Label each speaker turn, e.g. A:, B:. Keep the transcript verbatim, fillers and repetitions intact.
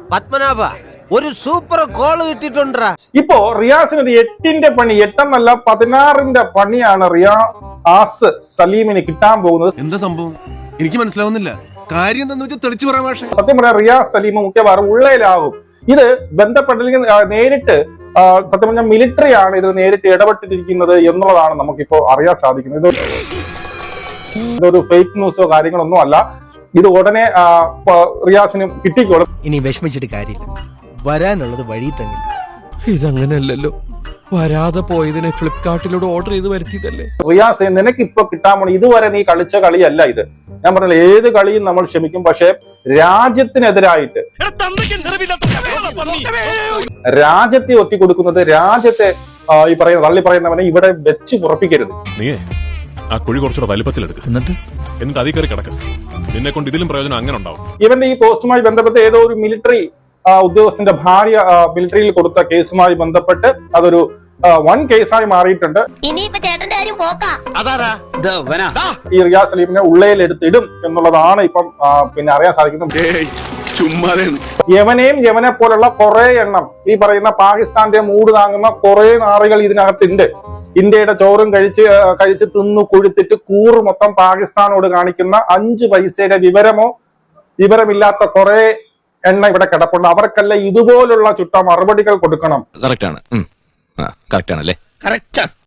A: പത്മനാഭ ഒരു super call കിട്ടിട്ടുണ്ടാ.
B: ഇപ്പോ റിയാസിന് ഒരു എട്ടിന്റെ പണി, എട്ടെന്നല്ല പതിനാറിന്റെ പണിയാണ് റിയാസ് സലീമിന് കിട്ടാൻ പോകുന്നത്.
C: എന്താ സംഭവം എനിക്ക് മനസ്സിലാവുന്നില്ല. കാര്യം എന്താന്ന് വെച്ചാൽ തെളിച്ചു പറയാം. പക്ഷേ
B: സത്യം പറയാം, റിയാസ് സലീം മുഖ്യവാറും ഉള്ളയിലാകും. ഇത് ബന്ധപ്പെട്ടില്ലെങ്കിൽ നേരിട്ട് സത്യം പറഞ്ഞാൽ മിലിറ്ററി ആണ് ഇത് നേരിട്ട് ഇടപെട്ടിരിക്കുന്നത് എന്നുള്ളതാണ് നമുക്കിപ്പോ അറിയാൻ സാധിക്കുന്നത്. ഇതൊരു ഫേക്ക് ന്യൂസോ കാര്യങ്ങളൊന്നും അല്ല. ഇത് ഉടനെ റിയാസിന് കിട്ടിക്കോളും.
D: ഇനി വിഷമിച്ചിട്ട് കാര്യമില്ല, വരാനുള്ളത് വഴി തന്നെ.
E: ഇതങ്ങനെയല്ലല്ലോ, വരാതെ പോയതിനെ ഫ്ലിപ്കാർട്ടിലൂടെ ഓർഡർ ചെയ്ത് വരുത്തിയതല്ലേ.
B: റിയാസ്, നിനക്ക് ഇപ്പൊ കിട്ടാൻ പോണ ഇതുവരെ നീ കളിച്ച കളിയല്ല ഇത്. ഞാൻ പറഞ്ഞ ഏത് കളിയും നമ്മൾ ക്ഷമിക്കും, പക്ഷെ രാജ്യത്തിനെതിരായിട്ട് രാജ്യത്തെ ഒറ്റിക്കൊടുക്കുന്നത്, രാജ്യത്തെ ഈ പറയുന്ന തള്ളി പറയുന്നവനെ ഇവിടെ വെച്ച് ഉറപ്പിക്കരുത്.
F: നീ ആ കുഴി കുറച്ചുകൂടെ വലിപ്പത്തിലെടുക്കും, എന്നിട്ട് എന്നിട്ട് അതിൽ കയറി കിടക്കും. നിന്നെ കൊണ്ട് ഇതിലും പ്രയോജനം അങ്ങനെ ഉണ്ടാവും.
B: ഇവന്റെ ഈ പോസ്റ്റുമായി ബന്ധപ്പെട്ട് ഏതോ ഒരു മിലിറ്ററി ഉദ്യോഗസ്ഥന്റെ ഭാര്യ മിലിറ്ററിയിൽ കൊടുത്ത കേസുമായി ബന്ധപ്പെട്ട് അതൊരു വൺ കേസായി മാറിയിട്ടുണ്ട്. ഈ റിയാസ് സലീമിനെ ഉള്ളയിൽ എടുത്തിടും എന്നുള്ളതാണ് ഇപ്പം പിന്നെ അറിയാൻ സാധിക്കുന്നത്. യമനെയും യമനെ പോലുള്ള കുറെ എണ്ണം ഈ പറയുന്ന പാകിസ്ഥാന്റെ മൂട് താങ്ങുന്ന കുറെ നാറികൾ ഇതിനകത്തുണ്ട്. ഇന്ത്യയുടെ ചോറും കഴിച്ച് കഴിച്ച് തിന്നു കൊഴുത്തിട്ട് കൂറ് മൊത്തം പാകിസ്ഥാനോട് കാണിക്കുന്ന അഞ്ചു പൈസയുടെ വിവരമോ വിവരമില്ലാത്ത കുറെ എണ്ണ ഇവിടെ കിടപ്പുണ്ട്. അവർക്കല്ല ഇതുപോലുള്ള ചുട്ട മറുപടികൾ കൊടുക്കണം.
G: കറക്റ്റ് ആണ്, കറക്റ്റ് ആണല്ലേ.